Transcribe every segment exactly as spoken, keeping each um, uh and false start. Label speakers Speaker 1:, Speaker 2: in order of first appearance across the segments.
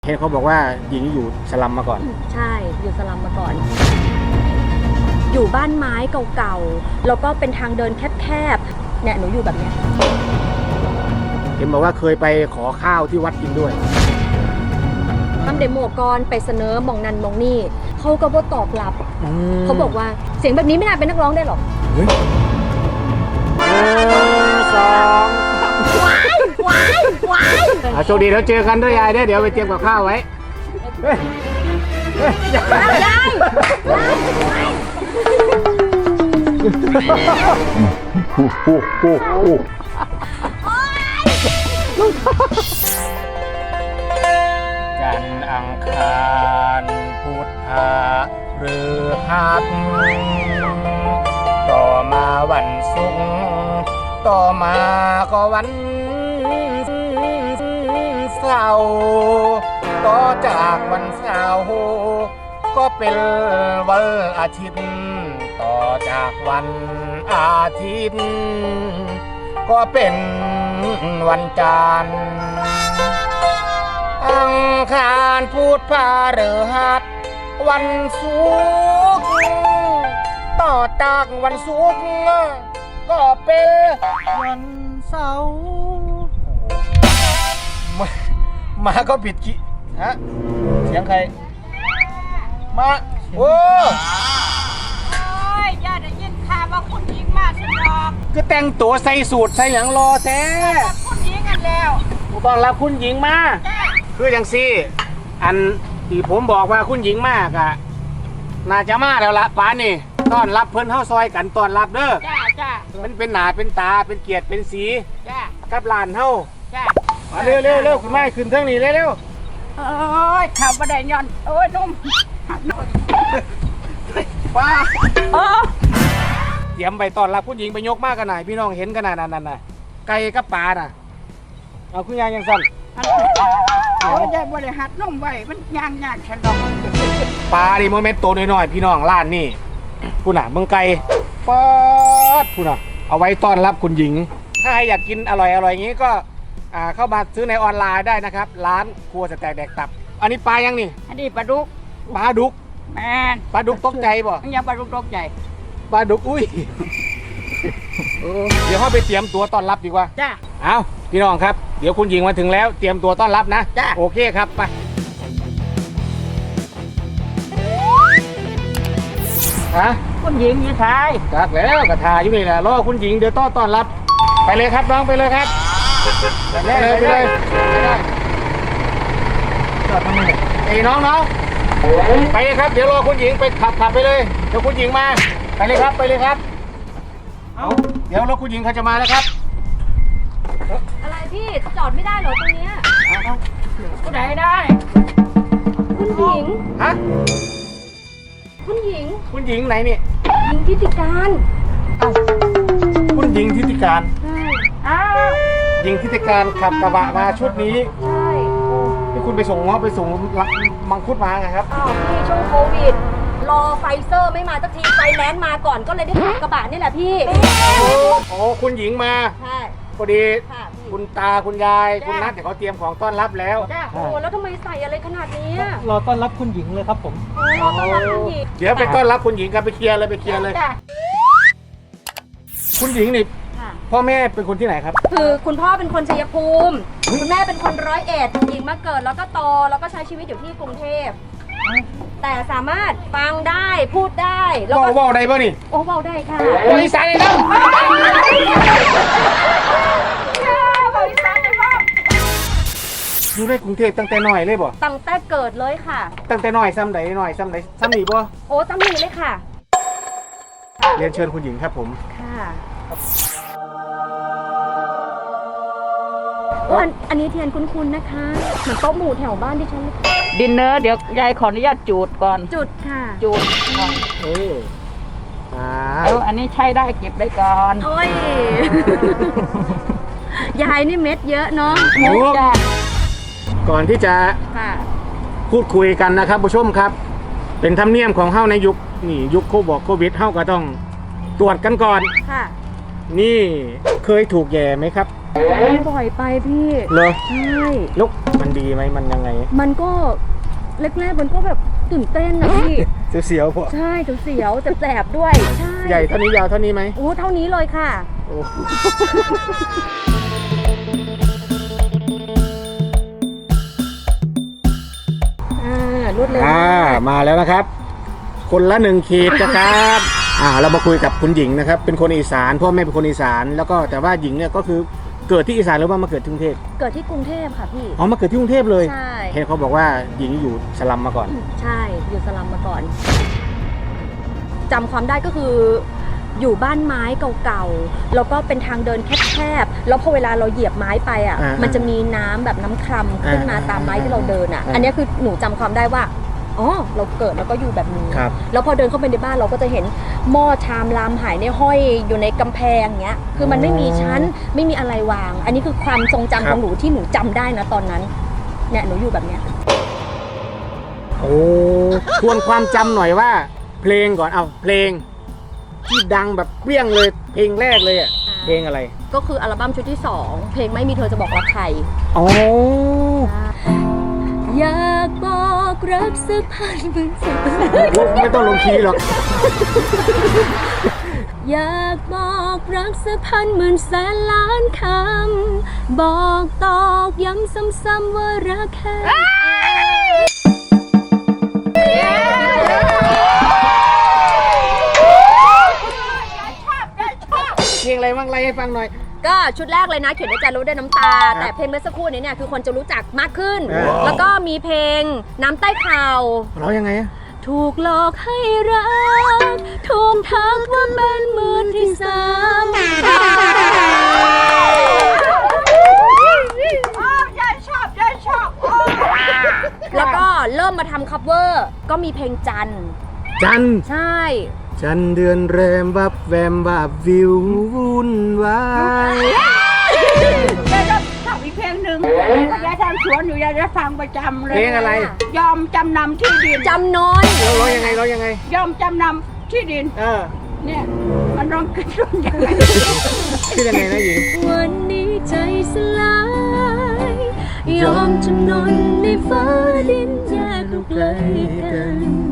Speaker 1: เห็นเขาบอกว่าหญิงอยู่สลัมมาก่อน
Speaker 2: ใช่อยู่สลัมมาก่อนอยู่บ้านไม้เก่าๆแล้วก็เป็นทางเดินแคบๆเนี่ยหนูอยู่แบบเนี้ย
Speaker 1: เห็นบอกว่าเคยไปขอข้าวที่วัดกินด้วย
Speaker 2: ทำเดโมก่อนไปเสนอมองนันมองนี่เขาก็บ่ตอบรับเขาบอกว่าเสียงแบบนี้ไม่น่าเป็นนักร้องได้หรอก
Speaker 1: หนึ่งสอง
Speaker 2: ว้ายว้ายว้าย
Speaker 1: โชคดีแล้วเจอกันด้วยยายเดี๋ยวไปเตรียมกับข้าวไว้
Speaker 2: ยายยาย
Speaker 1: จันทร์อังคารพุธพฤหัสต่อมาวันศุกร์ต่อมาก็วันเสาร์ต่อจากวันเสาร์ก็เป็นวันอาทิตย์ต่อจากวันอาทิตย์ก็เป็นวันจันทร์อังคารพุธพฤหัสวันศุกร์ต่อจากวันศุกร์ก็เป็นวันเสาร์มามาก็ผิดกี่ฮะเสียงใครมาโอ้
Speaker 3: ยย่าได้ยินข่าวว่าคุณหญิงมาสิดอก
Speaker 1: ก็แต่งตัวใส่สูทใส่หยังรอแท้
Speaker 3: คุณหญิงกันแล้ว
Speaker 1: ตอนรับคุณหญิงมาคืออย่างซี่อันที่ผมบอกว่าคุณหญิงมากอะน่าจะมาแล้วละป้านี่ต้อนรับเพิ่นเข้าซอยกันต้อนรับเด้อ
Speaker 3: จ้าจ้า
Speaker 1: มันเป็นหนาเป็นตาเป็นเกียรติเป็นสี
Speaker 3: จ้า
Speaker 1: กับหลานเฮา
Speaker 3: จ้า
Speaker 1: มาเร็วเร็วเร็วคุณแม่ขึ้นเท่งนี้เร็วเร็ว
Speaker 3: โอ้ยข่าวประเดี๋ยวย้อนโอ้ยนุ่ม
Speaker 1: ป้า
Speaker 3: โอ้
Speaker 1: เตรียมไปต้อนรับคุณหญิงไปยกมากกันหน่อยพี่น้องเห็นกันหน่อยนั่นน่ะไก่กับปลาน่ะเอาคุณยายยังสั่น
Speaker 3: โอ้ยยายบริหัดนุ่มไว้มันย่างย่างฉันดอก
Speaker 1: ปลาดิโมเมนต์โตน้อยๆพี่น้องร้านนี่ผู้น่ะเมืองไก่ป๊อดผู้น่ะเอาไว้ต้อนรับคุณหญิงถ้าใครอยากกินอร่อยอร่อยอย่างนี้ก็เข้ามาซื้อในออนไลน์ได้นะครับร้านครัวสแต็กแดกตับอันนี้ปลายังนี่
Speaker 3: อันนี้ปลาดุก
Speaker 1: ปลาดุก
Speaker 3: แมน
Speaker 1: ปลาดุกตกใจบ่
Speaker 3: ยังปลาดุกตกใจ
Speaker 1: ปลาดุกอุ้ยเดี๋ยวเขาไปเตรียมตัวต้อนรับดีกว่า
Speaker 3: จ้า
Speaker 1: เอาพี่น้องครับเดี๋ยวคุณหญิงมาถึงแล้วเตรียมตัวต้อนรับนะ
Speaker 3: จ้า
Speaker 1: โอเคครับไปฮะ
Speaker 3: คุณหญิงยี่ชาย
Speaker 1: ครับแล้วกระทาอยู่นี่แหละรอคุณหญิงเดี๋ยวต้อนต้อนรับไปเลยครับน้องไปเลยครับไปเลยไปเลยจอดทำไมไอ้น้องน้องไปเลยครับเดี๋ยวรอคุณหญิงไปขับขับไปเลยเดี๋ยวคุณหญิงมาไปเลยครับไปเลยครับเอาเดี๋ยวรถคุณหญิงเขาจะมาแล้วครับ
Speaker 2: อะไรพี่จอดไม่ได้เหรอตรงเนี้ย
Speaker 3: ก็ได้ได้
Speaker 2: คุณหญิง
Speaker 1: ฮะ
Speaker 2: คุณหญิง
Speaker 1: คุณหญิงไหนนี่
Speaker 2: หญิงทิติการ
Speaker 1: คุณหญิงทิติการ
Speaker 2: ใช่
Speaker 3: อ้าว
Speaker 1: หญิงทิติการขับกระบะมาชุดนี้
Speaker 2: ใช่
Speaker 1: ที่คุณไปส่งง้อไปส่งมังคุดมาไงครับ
Speaker 2: อ้าวพี่ช่วงโควิดรอไฟเซอร์ไม่มาสักทีไฟแนนซ์มาก่อนก็เลยได้ขับกระบะนี่แหละพี่
Speaker 1: โอ้คุณหญิงมา
Speaker 2: ใช่
Speaker 1: พอดีคุณตาคุณยายคุณนัทแต่เขาเตรียมของต้อนรับแล้ว
Speaker 2: โอ้แล้วทำไมใส่อะไรขนาดนี้
Speaker 4: รอต้อนรับคุณหญิงเลยครับผม
Speaker 2: รอต้อนรับคุณหญิง
Speaker 1: เดี๋ยวไปต้อนรับคุณหญิงกันไปเคลียร์เลยไปเคลียร์เลยคุณหญิงนี่พ่อแม่เป็นคนที่ไหนครับ
Speaker 2: คือคุณพ่อเป็นคนชัยภูมิคุณแม่เป็นคนร้อยเอ็ดหญิงมาเกิดแล้วก็โตแล้วก็ใช้ชีวิตอยู่ที่กรุงเทพแต่สามารถฟังได้พูดได้
Speaker 1: แล้วก็ว่าได้ป่ะนี่
Speaker 2: โอ้ว่าได้ค่ะ
Speaker 1: บริษัทเลยครับ
Speaker 3: บริษัทเลยพ่อ
Speaker 1: อยู่ในกรุงเทพตั้งแต่น้อยเลยบ่
Speaker 2: ตั้งแต่เกิดเลยค่ะ
Speaker 1: ตั้งแต่น้อยซ้ำไหนน้อยซ้ำไหนซ้ำหนีบ่
Speaker 2: โอ้ซ้ำหนีเลยค่ะ
Speaker 1: เรียนเชิญคุณหญิงครับผม
Speaker 2: ค่ะอันอันนี้เทียนคุ้นๆนะคะเหมือนโต๊ะหมู่แถวบ้านที่ฉันเลย
Speaker 3: ดินเนอร์เดี๋ยวยายขออนุญาตจูดก่อน
Speaker 2: จุดค่ะ
Speaker 3: จูดก่อน
Speaker 1: เอออ่า
Speaker 3: อันนี้ใช้ได้เก็บได้ก่อน
Speaker 2: โอ้ยยายนี่เม็ดเยอะเนาะ
Speaker 1: เม็ดจ้ะก่อนที่จะพูดคุยกันนะครับผู้ชมครับเป็นธรรมเนียมของเฮ้าในยุคนี่ยุคโควิดโควิดเฮ้าก็ต้องตรวจกันก่อน
Speaker 2: ค่ะ
Speaker 1: นี่เคยถูกแย่ไหมครับ
Speaker 2: บ่อยไปพี่
Speaker 1: เหรอ
Speaker 2: ใช่
Speaker 1: ลูกมันดีไหมมันยังไง
Speaker 2: มันก็แรกๆมันก็แบบตื่นเต้นนะพี่
Speaker 1: เสียวๆพอ
Speaker 2: ใช่เสียวๆแสบๆด้วยใช่
Speaker 1: ใหญ่เท่านี้ยาวเท่านี้ไหม
Speaker 2: โอ้เท่านี้เลยค่ะ
Speaker 1: โอ้
Speaker 2: อ่ารวดเร็ว
Speaker 1: อ่าม
Speaker 2: าก
Speaker 1: มาแล้วนะครับ คนละหนึ่งขีดนะครับอ่าเรามาคุยกับคุณหญิงนะครับ เป็นคนอีสานพ่อแม่เป็นคนอีสานแล้วก็แต่ว่าหญิงเนี่ยก็คือเกิดที่อีสานหรือว่ามาเกิดที่กรุงเทพ
Speaker 2: เกิดที่กรุงเทพค่ะพี่
Speaker 1: อ๋อมาเกิดที่กรุงเทพเลย
Speaker 2: ใช่
Speaker 1: เห็นเขาบอกว่าหญิงอยู่สลัมมาก่อน
Speaker 2: ใช่อยู่สลัมมาก่อนจำความได้ก็คืออยู่บ้านไม้เก่าๆแล้วก็เป็นทางเดินแคบๆแล้วพอเวลาเราเหยียบไม้ไปอ่ะ
Speaker 1: อ่ามั
Speaker 2: มันจะมีน้ำแบบน้ำคร่ำขึ้นมา
Speaker 1: อ่า
Speaker 2: ตามไม้ที่เราเดินอ่ะ
Speaker 1: อ่า
Speaker 2: อันนี้คือหนูจำความได้ว่าอ๋อเราเกิดแล้วก็อยู่แบบนี้
Speaker 1: ครับ
Speaker 2: แล้วพอเดินเข้าไปในบ้านเราก็จะเห็นหม้อชามรามหายในห้อยอยู่ในกำแพงเงี้ยคือมันไม่มีชั้นไม่มีอะไรวาง อันนี้คือความทรงจำของหนูที่หนูจำได้นะตอนนั้นเนี่ยหนูอยู่แบบเนี้ย
Speaker 1: โอ้ทวนความจำหน่อยว่า เพลงก่อนเอาเพลง ที่ดังแบบเปรี้ยงเลยเพลงแรกเลยอ่ะ
Speaker 2: อ่า
Speaker 1: เพลงอะไร
Speaker 2: ก็คืออัลบั้มชุดที่สองเพลงไม่มีเธอจะบอกรักใคร
Speaker 1: อ๋อ
Speaker 2: อยากบอกรักสักพันหมื่นสัก
Speaker 1: ไม่ต้องลงคีย์หรอก
Speaker 2: อยากบอกรักสักพันหมื่นแสนล้านคำบอกตอกย้ำซ้ำๆว่ารักแค่
Speaker 1: เพลงอะไรบ้างไล่ให้ฟังหน่อย
Speaker 2: ก็ชุดแรกเลยนะเขียนด้วยใจรู้ด้วยน้ำตา
Speaker 1: ครับ
Speaker 2: แต่เพลงเมื่อสักครู่นี้เนี่ยคือคนจะรู้จักมากขึ้น
Speaker 1: อ่า
Speaker 2: แล้วก็มีเพลงน้ำใต้เข่า
Speaker 1: ร้องยังไงอะ
Speaker 2: ถูกหลอกให้รักถูกทักว่าเป็นมือที่สาม
Speaker 3: ยายชอบยายชอบ
Speaker 2: แล้วก็เริ่มมาทำคัฟเวอร์ก็มีเพลงจันทร์
Speaker 1: จัน
Speaker 2: ใช่
Speaker 1: จันเดือนแรมวับแวมวับวิววุ่นวาย
Speaker 3: ยายจะทำอีกเพลงหนึ่งยายทำสวนอยู่ยายจะฟังประจำเลย
Speaker 1: เพลงอะไร
Speaker 3: ยอมจำนำที่ดิน
Speaker 2: จำน้อย
Speaker 1: ร้องร้องยังไงร้องยังไง
Speaker 3: ยอมจำนำที่ดิน
Speaker 1: เออ
Speaker 3: เนี่ยมันร้องขึ้นร้องยังไง
Speaker 1: ชื่อยังไงนะหญิง
Speaker 2: วันนี้ใจสลายยอมจำนนในฟ้าดินแยกลูกไกลกัน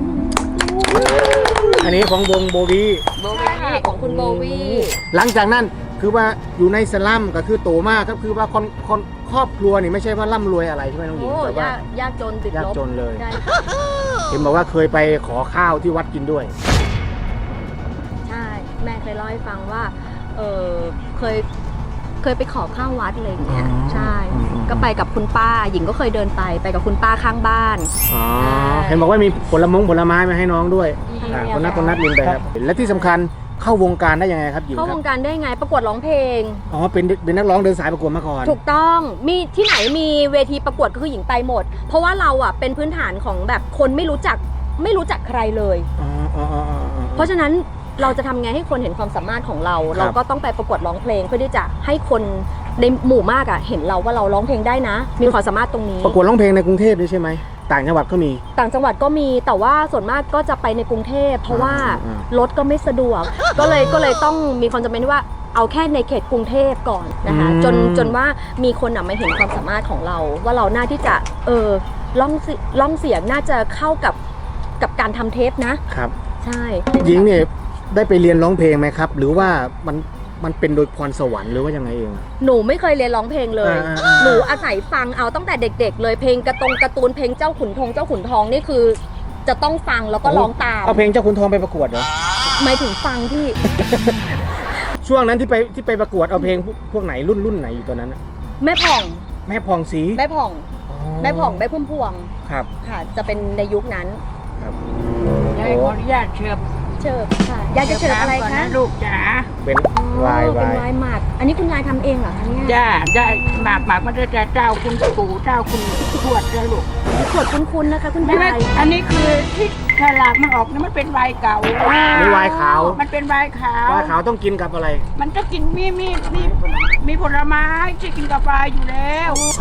Speaker 1: อันนี้ของวงโบวี
Speaker 2: โบวี่ของคุณโบวี่
Speaker 1: หลังจากนั้นคือว่าอยู่ในสลัมก็คือโตมากครับคือว่าคนคนครอบครัวนี่ไม่ใช่ว่าร่ำรวยอะไรใช่ไหมน้องหญิง
Speaker 2: โอ้
Speaker 1: แต่ว่าย
Speaker 2: ากยากจนติดลบ
Speaker 1: ยากจนเลย
Speaker 2: ใช่
Speaker 1: เห็นบอกว่าเคยไปขอข้าวที่วัดกินด้วย
Speaker 2: ใช่แม่เคยเล่าให้ฟังว่าเออเคยเคยไปขอข้าววัดอะไรอย่างเงี้ย
Speaker 1: อ๋อ
Speaker 2: ใช่
Speaker 1: อืมอืม
Speaker 2: ก็ไปกับคุณป้าหญิงก็เคยเดินไปไปกับคุณป้าข้างบ้าน
Speaker 1: อ๋อ
Speaker 2: ใช่
Speaker 1: เห็นบอกว่ามีผลมงผลไม้มาให้น้องด้วย
Speaker 2: มี
Speaker 1: อ่า
Speaker 2: มี
Speaker 1: คนนัด
Speaker 2: อะไร
Speaker 1: คนนัดลินไปครับและที่สำคัญเข้าวงการได้ยังไงครับหญิง
Speaker 2: เข้า
Speaker 1: ครั
Speaker 2: ว
Speaker 1: บ
Speaker 2: งการได้ไงประกวดร้องเพลง
Speaker 1: อ๋อเป็นเป็นนักร้องเดินสายประกวดมาก่อน
Speaker 2: ถูกต้องมีที่ไหนมีเวทีประกวดก็คือหญิงไปหมด เพราะว่าเราอ่ะเป็นพื้นฐานของแบบคนไม่รู้จักไม่รู้จักใครเลย
Speaker 1: อ๋ออ๋ออ๋ออ๋ออ๋อ
Speaker 2: เพราะฉะนั้นเราจะทำไงให้คนเห็นความสามารถของเรา
Speaker 1: ครับ
Speaker 2: เราก็ต้องไปประกวดร้องเพลงเพื่อที่จะให้คนในหมู่มากอ่ะเห็นเราว่าเราร้องเพลงได้นะ มีความสามารถตรงนี้
Speaker 1: ประกวดร้องเพลงในกรุงเทพด้วยใช่ไหมต่างจังหวัดก็มี
Speaker 2: ต่างจังหวัดก็มีแต่ว่าส่วนมากก็จะไปในกรุงเทพเพราะว่า
Speaker 1: อ่าร
Speaker 2: ถก็ไม่สะดวก ก็เลยก็เลยต้องมีความจำเป็นที่ว่าเอาแค่ในเขตกรุงเทพก่อนนะคะ
Speaker 1: อืม
Speaker 2: จนจนว่ามีคนอ่ะมาเห็นความสามารถของเรา ว่าเราน่าที่จะเออล่องสิล่องเสียงน่าจะเข้ากับกับการทำเทปนะครับ ใช่
Speaker 1: หญิงเนี่ยได้ไปเรียนร้องเพลงไหมครับ หรือว่ามันมันเป็นโดยพรสวรรค์หรือว่ายังไงเอง
Speaker 2: หนูไม่เคยเรียนร้องเพลงเลย
Speaker 1: อ่าอ่า
Speaker 2: หนูอาศัยฟังเอาตั้งแต่เด็ก ๆ เลยเพลงกระตงการ์ตูนเพลงเจ้าขุนทองเจ้าขุนทองนี่คือจะต้องฟังแล้วก็ร้องตาม
Speaker 1: เอาเพลงเจ้าขุนทองไปประกวดเหรอ
Speaker 2: หมายถึงฟังที่
Speaker 1: ช่วงนั้นที่ไปที่ไปประกวดเอาเพลงพวกพวกไหนรุ่นรุ่นไหนอยู่ตอนนั้นน่ะ
Speaker 2: แม่ผ่อง
Speaker 1: แม่ผ่องศรี
Speaker 2: แม่ผ่อง
Speaker 1: อ๋อ
Speaker 2: แม่ผ่องแม่พุ่มพวง
Speaker 1: ครับ
Speaker 2: ค่ะ จะเป็นในยุคนั้น
Speaker 1: ครับ
Speaker 3: ยายขออนุญาตเชิญ
Speaker 2: เชิญค่ะยายจะเชิญอะไร
Speaker 3: ก่น
Speaker 2: คะ
Speaker 3: ลูกจ๋า
Speaker 1: เป็น
Speaker 2: อ๋อ
Speaker 1: วาย
Speaker 2: เป็
Speaker 1: วาน ย
Speaker 2: วายหมัก อันนี้คุณยายทำเองเหรอคะเนี่ย
Speaker 3: จ้าได้หมากหมากมันจะเจ้าคุณปู่เจ้าคุณทวดเลยลูก
Speaker 2: ขวดคุ้นๆนะคะคุณ
Speaker 3: นี่
Speaker 2: ยาย
Speaker 3: อันนี้คือที่ฉลากมันออกนี่มันเป็นไวน์เก่า
Speaker 1: นี่วายขาว
Speaker 3: มันเป็นไวน์ขาว
Speaker 1: วายขาวต้องกินกับอะไร
Speaker 3: มันจะกินมีมีมีมีผลไม้ที่กินกับไวน์อยู่แล้ว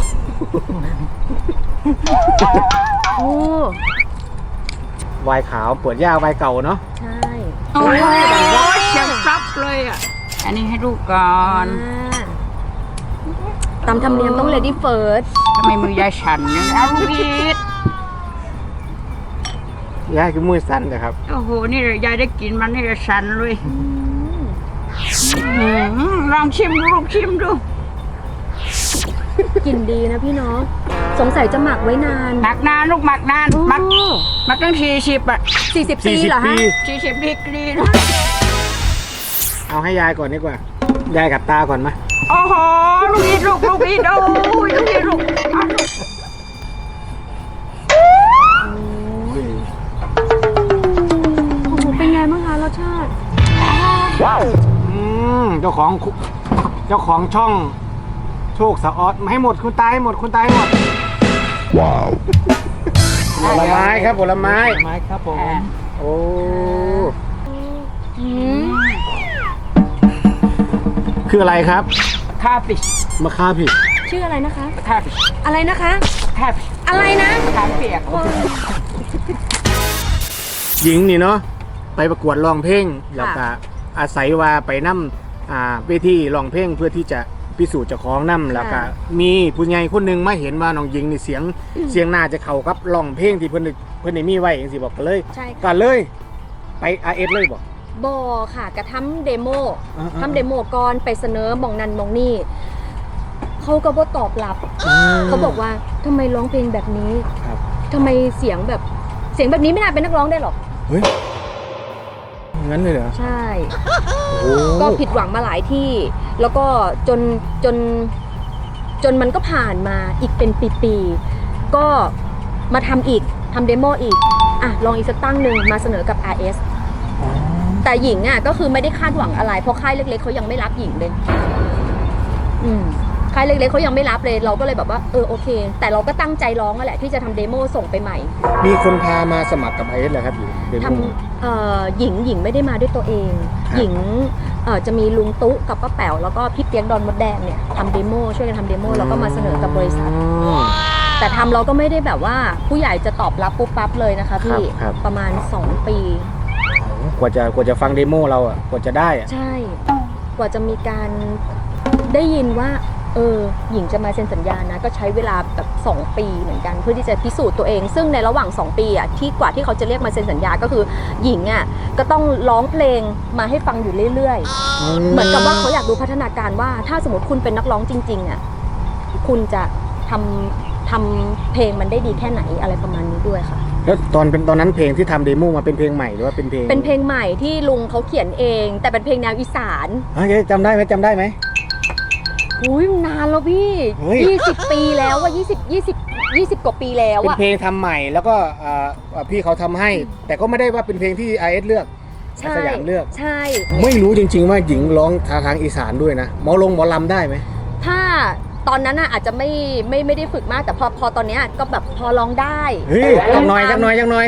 Speaker 2: โอ้
Speaker 1: วายขาวปวดหญ้าวายเก่าเนาะ
Speaker 2: ใช่
Speaker 3: โอ้ยเสียงซับเลยอ่ะอันนี้ให้ลูกก่อน
Speaker 2: อ่าตามธรรมเนียมต้อง lady first
Speaker 3: ทำไมมือยายฉันเนี่ยเอาลูกอีท
Speaker 1: ยายคือมือสั่นเลยครับ
Speaker 3: โอ้โหนี่ยายได้กินมันนี่จะฉันเลยอืมลองชิมดูลูกชิมดู
Speaker 2: กลิ่นดีนะพี่น้องสงสัยจะหมักไว้นาน
Speaker 3: หมักนานลูกหมักนานหมักหมักตั้งสี่สิบอ่ะ
Speaker 2: สี่สิบปี
Speaker 1: สี่สิบ
Speaker 2: เหรอ
Speaker 1: ปี
Speaker 2: ฮะ
Speaker 3: สี่สิบดีกรีนะ
Speaker 1: เอาให้ยายก่อนดีกว่า ยายกับตาก่อนมา
Speaker 3: โอ้โหลูกอีทลูกลูกอีทโอ้ยลูกอีทลูกเอาลูก
Speaker 2: โอ้โหเป็นไงบ้างคะรสชาติ
Speaker 1: อืมเจ้าของคุเจ้าของช่องโชคสะออดมาให้หมดคุณตายให้หมดคุณตายให้หมด ว้าวผลไม้ครับผลไม้
Speaker 4: ไม้ครับผม
Speaker 1: โอ้
Speaker 2: อืม
Speaker 1: คืออะไรครับ
Speaker 3: คาปิช
Speaker 1: มะข่าผิด
Speaker 2: ชื่ออะไรนะคะ
Speaker 3: คาปิช
Speaker 2: อะไรนะคะ
Speaker 3: คาปิช
Speaker 2: อะไรนะ
Speaker 3: คาเปียก
Speaker 1: หญิงนี่เนาะไปประกวดร้องเพลงแล้วก็อาศัยว่าไปนั่อ่าเวทีร้องเพลงเพื่อที่จะพิสูจน์เจ้าของนั่แล้วก็มีผู้ใหญ่คนหนึ่งมาเห็นว่าน้องหญิงนี่เสียงเสียงน่าจะเข้ากับร้องเพลงที่เพิ่นได้เพิ่นได้มีไว้จังซี่บอกก็เลย
Speaker 2: ใช่
Speaker 1: ก็
Speaker 2: ค่ะ
Speaker 1: เลย ไป อาร์ เอส เลยบอก
Speaker 2: บอค่ะกระทำเดโม
Speaker 1: อ่าๆ
Speaker 2: ทำเดโมก่อนไปเสนอมองนันมองนี่เขาก็บ่ตอบรับ เขาบอกว่าทำไมร้องเพลงแบบนี้
Speaker 1: ครับ
Speaker 2: ทำไมเสียงแบบเสียงแบบนี้ไม่น่าเป็นนักร้องได้หรอก
Speaker 1: เฮ้ยงั้นเลยเหรอ
Speaker 2: ใช่
Speaker 1: โอ้
Speaker 2: ก็ผิดหวังมาหลายที่ แล้วก็จนจนจนมันก็ผ่านมาอีกเป็นปีๆก็มาทำอีกทำเดโมอีกอ่ะลองอีกสักตั้งหนึ่งมาเสนอกับ อาร์ เอส แต่หญิงอ่ะก็คือไม่ได้คาดหวังอะไรเพราะค่ายเล็กๆเขายังไม่รับหญิงเลย อืมค่ายเล็กๆเขายังไม่รับเลย เราก็เลยแบบว่าเออโอเค แต่เราก็ตั้งใจร้องนั่นแหละที่จะทำเดโมส่งไปใหม่
Speaker 1: มีคนพามาสมัครกับ อาร์ เอส เหรอครับหญิงเดโม
Speaker 2: ทำเอ่อหญิงหญิงไม่ได้มาด้วยตัวเอง
Speaker 1: ครับ
Speaker 2: หญิงเอ่อจะมีลุงตุ๊กับป้าแป๋วแล้วก็พี่เปียกดอนมดแดงเนี่ยทำเดโมช่วยกันทำเดโมแล้วก็มาเสนอกับบริษัท
Speaker 1: อ๋อ
Speaker 2: แต่ทำเราก็ไม่ได้แบบว่าผู้ใหญ่จะตอบรับปุ๊บปั๊บเลยนะคะพี่
Speaker 1: ครับครับ
Speaker 2: ประมาณสองปี
Speaker 1: กว่าจะกว่าจะฟังเดโมเราอ่ะกว่าจะได้อ่ะ
Speaker 2: ใช่ กว่าจะมีการได้ยินว่าเออหญิงจะมาเซ็นสัญญานะ ก็ใช้เวลาแบบสองปีเหมือนกัน เพื่อที่จะพิสูจน์ตัวเอง ซึ่งในระหว่างสองปีอ่ะที่กว่าที่เขาจะเรียกมาเซ็นสัญญาก็คือหญิงอ่ะก็ต้องร้องเพลงมาให้ฟังอยู่เรื่อยๆ เหมือนกับว่าเขาอยากดูพัฒนาการว่าถ้าสมมติคุณเป็นนักร้องจริงๆอ่ะคุณจะทำทำเพลงมันได้ดีแค่ไหนอะไรประมาณนี้ด้วยค่ะ
Speaker 1: แล้วตอนเป็นตอนนั้นเพลงที่ทำเดโมมาเป็นเพลงใหม่หรือว่าเป็นเพลง
Speaker 2: เป็นเพลงใหม่ที่ลุงเขาเขียนเอง แต่เป็นเพลงแนวอีสาน
Speaker 1: เฮ้ยจำได้ไหมจำได้ไหม
Speaker 2: อุ้ยนานแล้วพี่
Speaker 1: เฮ้ย
Speaker 2: ยี่สิบปีแล้วว่ายี่สิบยี่สิบยี่สิบกว่าปีแล้ว
Speaker 1: เป็น
Speaker 2: อะ
Speaker 1: เพลงทำใหม่แล้วก็อ่าอ่าพี่เขาทำให้ แต่ก็ไม่ได้ว่าเป็นเพลงที่ อาร์ เอส เลือก
Speaker 2: ใช่
Speaker 1: สยามเลือก
Speaker 2: ใช่
Speaker 1: ไม่รู้จริง ๆ ว่าหญิงร้องทางทางอีสานด้วยนะหมอลงหมอลำได้ไหม
Speaker 2: ถ้าตอนนั้นน่ะอาจจะไม่ไม่ไม่ได้ฝึกมากแต่พอพอตอนเนี้ยก็แบบพอร้องได้
Speaker 1: เฮ้ยจังหน่อยจังหน่อยจังหน่อย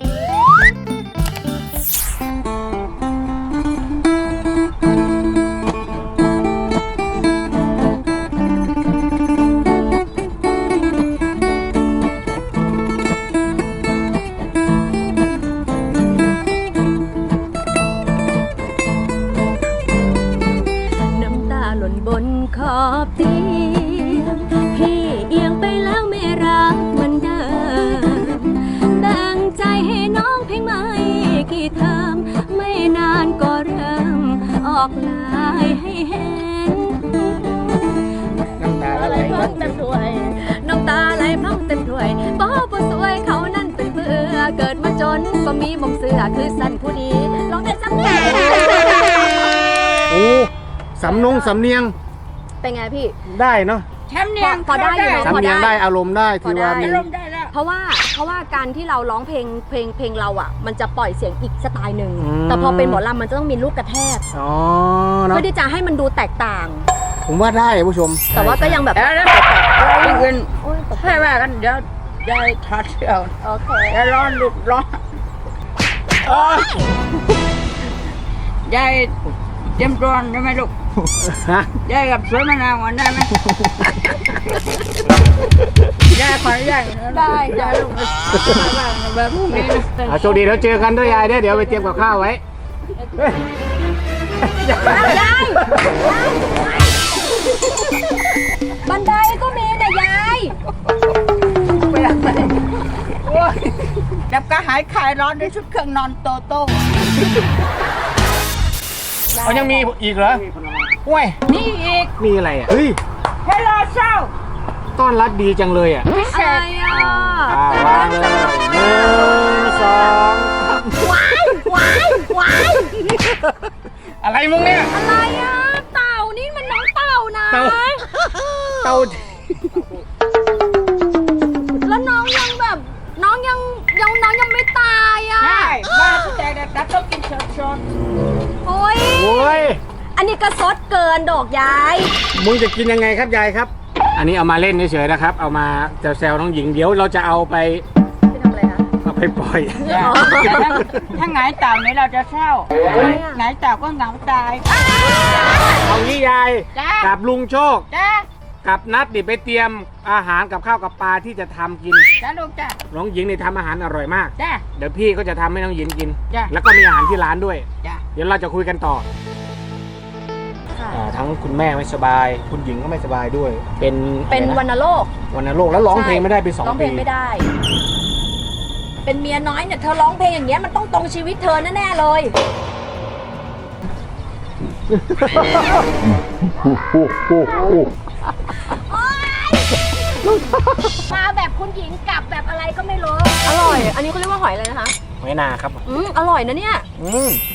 Speaker 2: ขอบเตียงพี่เอียงไปแล้วไม่รักเหมือนเดิมแบ่งใจให้น้องเพียงไม่กี่เทอมไม่นานก็เริ่มออกลายให้เห็น
Speaker 1: น้ำตา
Speaker 2: อะ
Speaker 1: ไห
Speaker 2: ไร
Speaker 1: ล
Speaker 2: พร่องเต็มถ้วยน้ำตาไหลพร่องเต็มถ้วยป้อผู้สวยเขานั่นเป็นเบื่อเกิดมาจนก็มีมงเสือคือสั้นผู้นี้ลองได้สักนิด
Speaker 1: โอ้สำนงสำเนียง
Speaker 2: เป็นไงพี่
Speaker 1: ได้เนาะ
Speaker 3: แชมป์เนียง
Speaker 2: พอได้อยู่เนอะ
Speaker 1: สำเนียงได้อารมณ์ได้ที่ว่ามี
Speaker 3: ลมได้แล้ว
Speaker 2: เพราะว่าเพราะว่าการที่เราร้องเพลงเพลงเพลงเราอ่ะ มันจะปล่อยเสียงอีกสไตล์หนึ่ง
Speaker 1: อืม
Speaker 2: แต่พอเป็นหมอลำมันจะต้องมีลูกกระแทก
Speaker 1: อ๋อเนาะ
Speaker 2: เพื่อที่จะให้มันดูแตกต่าง
Speaker 1: ผมว่าได้ผู้ชม
Speaker 2: แต่ว่าก็ยังแบบ
Speaker 3: เดี๋ยวนะอะไรเงิน
Speaker 2: โอ๊ยตกใจ
Speaker 3: ให้ว่ากันเดี๋ยวยายถอดเสื้อ
Speaker 2: โอเค
Speaker 3: ยายร้อนลุดร้อนโอ๊ยยายเตรียมตัวได้ไหมลูก
Speaker 1: ฮะ
Speaker 3: ยายกับสวยมะนาวก่อนได้ไหมยายขออนุญาต
Speaker 2: ได้ได้
Speaker 3: ยายลูกแบบนี้นะ
Speaker 1: เอาโชคดีแล้วเจอกันด้วยยายเด้อเดี๋ยวไปเตรียมกับข้าวไว้เฮ้ย
Speaker 2: อ้าวยายบันไดก็มีนะยาย
Speaker 3: ไปอะไรโอ้ยดับกระหายคลายร้อนด้วยชุดเครื่องนอนโตโต้
Speaker 1: เขายังมีอีกเหรอห้วย
Speaker 3: นี่อีก
Speaker 1: มีอะไรอ่ะเฮ้ย
Speaker 3: เฮลโลเช้า
Speaker 1: ต้อนรับดีจังเลยอ่ะ
Speaker 3: พิเศ
Speaker 2: อะไร
Speaker 3: ษ
Speaker 2: อ่ะ
Speaker 1: อ่าวางเลยหนึ่งสอง
Speaker 2: ว้ายว้ายว้าย
Speaker 1: อะไรมึงเนี่ย
Speaker 2: อะไรอ่ะเต่านี่มันน้องเต่านะ
Speaker 1: เต่า เต่า
Speaker 2: แล้วน้องยังแบบ น้องยังยังน้องยังไม่ตายอ่ะ
Speaker 3: ใช่บ้านแต่ดับต้องกินสด
Speaker 2: โอ้ย
Speaker 1: โอ้ย
Speaker 2: อันนี้กระซดเกินดอกยาย
Speaker 1: มึงจะกินยังไงครับยายครับ อันนี้เอามาเล่นเฉยๆนะครับ เอามาแซวๆน้องหญิงเดี๋ยวเราจะเอาไป
Speaker 2: ไปทำอะไรคะ
Speaker 1: เอาไปปล่อย
Speaker 3: ๆจ้ะถ้าถ้าหงายเต่านี้เราจะเศร้า
Speaker 2: ทำไมอ่ะ
Speaker 3: หงายเต่าก็เหงาตาย
Speaker 1: เอางี้ยาย
Speaker 3: จ้า
Speaker 1: กับลุงโชค
Speaker 3: จ้า
Speaker 1: กับนัดดิไปเตรียมอาหารกับข้าวกับปลาที่จะทำกิน
Speaker 3: จ้าลูกจ้า
Speaker 1: น้องหญิงนี่ทำอาหารอร่อยมาก
Speaker 3: จ้า
Speaker 1: เดี๋ยวพี่ก็จะทำให้น้องหญิงกิน
Speaker 3: จ้ะ
Speaker 1: แล้วก็มีอาหารที่ร้านด้วย
Speaker 3: จ้า
Speaker 1: เดี๋ยวเราจะคุยกันต่อ
Speaker 2: ค่ะ
Speaker 1: อ่าทั้งคุณแม่ไม่สบาย คุณหญิงก็ไม่สบายด้วย เป็น
Speaker 2: เป็น
Speaker 1: อะไระ
Speaker 2: วัณโรค
Speaker 1: วันโรคแล้วร้องเพลงไม่ได้ไปสอง
Speaker 2: ร้องเพ
Speaker 1: ปี
Speaker 2: ลงไม่ได้ เป็นเมียน้อยเนี่ยเธอร้องเพลงอย่างเงี้ยมันต้องตรงชีวิตเธอแน่ๆเลย มาแบบคุณหญิงกลับแบบอะไรก็ไม่รู้ อร่อย อันนี้เขาเรียกว่าหอยอะไรนะคะ
Speaker 1: หอยนาครับ
Speaker 2: อืมอร่อยนะเนี่ย
Speaker 1: อืม